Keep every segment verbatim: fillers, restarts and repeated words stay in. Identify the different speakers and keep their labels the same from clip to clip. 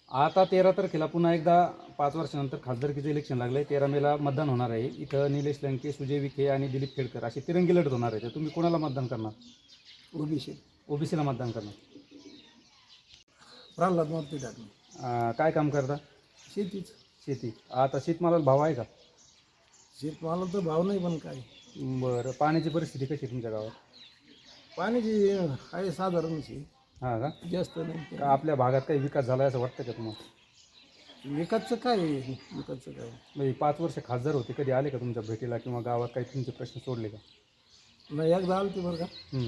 Speaker 1: आता तेरा तारखेला पुन्हा एकदा पाच वर्षानंतर खासदारकीचं इलेक्शन लागलंय. तेरा मेला मतदान होणार आहे. इथं निलेश लंके, सुजय विखे आणि दिलीप खेडकर अशी तिरंगी लढत होणार आहे. तर तुम्ही कोणाला मतदान करणार?
Speaker 2: ओबीसी
Speaker 1: ओबीसीला मतदान करणार.
Speaker 2: प्रल्हाद मोती टाकणे.
Speaker 1: अं, काय काम करता?
Speaker 2: शेतीच.
Speaker 1: शेती. आता शेतमालाला भाव आहे का?
Speaker 2: शेतमाला तर भाव नाही, पण काय
Speaker 1: बरं, पाण्याची परिस्थिती कशी आहे तुमच्या गावात?
Speaker 2: पाण्याची आहे साधारणची,
Speaker 1: हां का?
Speaker 2: जास्त नाही.
Speaker 1: का आपल्या भागात काही विकास झाला आहे असं वाटतं का तुम्हाला?
Speaker 2: विकासचं काय आहे? विकासचं काय
Speaker 1: म्हणजे पाच वर्ष खासदार होते, कधी आले का तुमच्या भेटीला किंवा गावात काही तुमचे प्रश्न सोडले का?
Speaker 2: नाही, एकदा आलं ते बरं का.
Speaker 1: हं.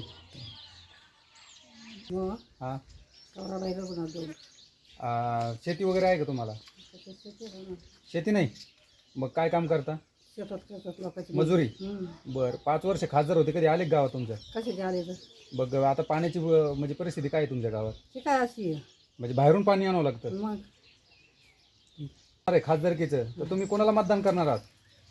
Speaker 2: किंवा
Speaker 1: हां.
Speaker 2: कवरा नाही का पण आता
Speaker 1: अं, शेती वगैरे आहे का तुम्हाला? शेती नाही, मग काय काम करता?
Speaker 2: शेतात करतात लोकांची
Speaker 1: मजुरी. बरं, पाच वर्ष खासदार होते, कधी आले का गावात तुमच्या?
Speaker 2: कशाचे आले तर
Speaker 1: बघ आता पाण्याची व- म्हणजे परिस्थिती काय आहे तुमच्या गावात?
Speaker 2: ते काय अशी आहे
Speaker 1: म्हणजे बाहेरून पाणी आणावं लागतं.
Speaker 2: मग.
Speaker 1: अरे खासदारकीचं तर तुम्ही कोणाला मतदान करणार आहात?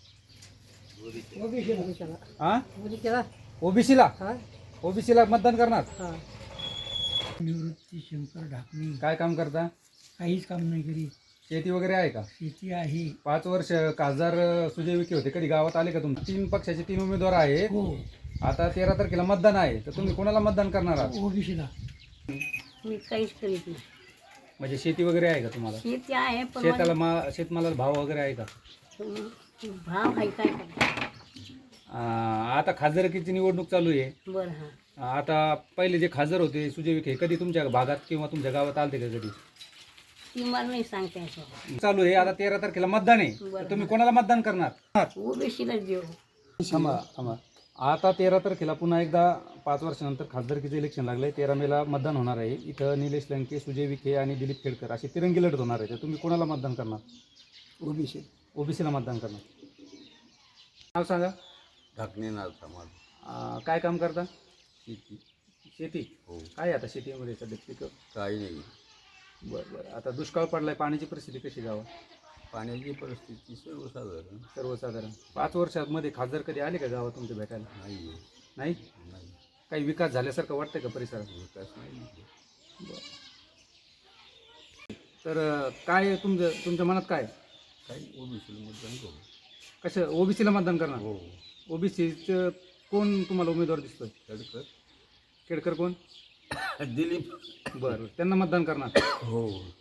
Speaker 2: ओबीसीला.
Speaker 1: हां,
Speaker 2: ओबीसीला.
Speaker 1: ओबीसीला.
Speaker 2: हा
Speaker 1: ओबीसीला मतदान करणार.
Speaker 2: हा. निवृत्ती शंकर ढाकणे.
Speaker 1: काय काम करता?
Speaker 2: काहीच काम नाही करी.
Speaker 1: शेती वगैरे आहे का?
Speaker 2: शेती आहे.
Speaker 1: पाच वर्ष खासदार अं, सुजय विखे होते, कधी गावात आले का तुमचे? तीन पक्षाचे तीन उमेदवार आहे.
Speaker 2: हो.
Speaker 1: आता तेरा तारखेला मतदान आहे, तर तुम्ही कोणाला मतदान करणार आहात?
Speaker 2: ओबीसीला.
Speaker 3: मी काहीच करीत नाही.
Speaker 1: म्हणजे शेती वगैरे आहे का तुम्हाला?
Speaker 3: शेती आहे पण
Speaker 1: शेताला मा शेतमालाला भाव वगैरे आहे का?
Speaker 3: माझी- भाव आहे काय करता.
Speaker 1: अं, आता खासदारकीची निवडणूक चालू आहे.
Speaker 3: बरं हा.
Speaker 1: अं, आता पहिले जे खासदार होते सुजय विखे, कधी तुमच्या भागात किंवा तुमच्या गावात आलते का कधी?
Speaker 3: ती मला नाही सांगता यायचं.
Speaker 1: चालू आहे. आता तेरा तारखेला मतदान आहे, तर तुम्ही कोणाला मतदान करणार?
Speaker 3: ओबीसीलाच देऊ.
Speaker 1: थांबा थांबा. आता तेरा तारखेला पुन्हा एकदा पाच वर्षानंतर खासदारकीचं इलेक्शन लागलंय. तेरा मेला मतदान होणार आहे. इथं निलेश लंके, सुजय विखे आणि दिलीप खेडकर अशी तिरंगी लढत होणार आहे. तर तुम्ही कोणाला मतदान करणार?
Speaker 2: ओबीसी.
Speaker 1: ओबीसीला मतदान करणार. नाव सांगा.
Speaker 4: ढाकणे नाव समाज.
Speaker 1: अं, काय काम करता?
Speaker 4: शेती.
Speaker 1: शेती.
Speaker 4: हो.
Speaker 1: काय आता शेतीमध्ये सध्या पिकं?
Speaker 4: काही नाही.
Speaker 1: बरं बरं. आता दुष्काळ पडलाय, पाण्याची परिस्थिती कशी गावात?
Speaker 4: पाण्याची परिस्थिती सर्वसाधारण
Speaker 1: सर्वसाधारण. पाच वर्षामध्ये खासदार कधी आले का गावात तुमच्या भेटायला?
Speaker 4: नाही आहे.
Speaker 1: नाही.
Speaker 4: नाही.
Speaker 1: काही विकास झाल्यासारखं वाटतंय का परिसरात?
Speaker 4: विकास नाही.
Speaker 1: बरं. तर अं, काय तुमचं तुमच्या मनात काय?
Speaker 4: काही ओबीसीला मतदान करू.
Speaker 1: कसं ओबीसीला मतदान करणार?
Speaker 4: हो.
Speaker 1: ओबीसीचं कोण तुम्हाला उमेदवार दिसतोय?
Speaker 4: खेडकर.
Speaker 1: खेडकर कोण?
Speaker 4: दिलीप.
Speaker 1: बरं, त्यांना मतदान करणार.
Speaker 4: हो.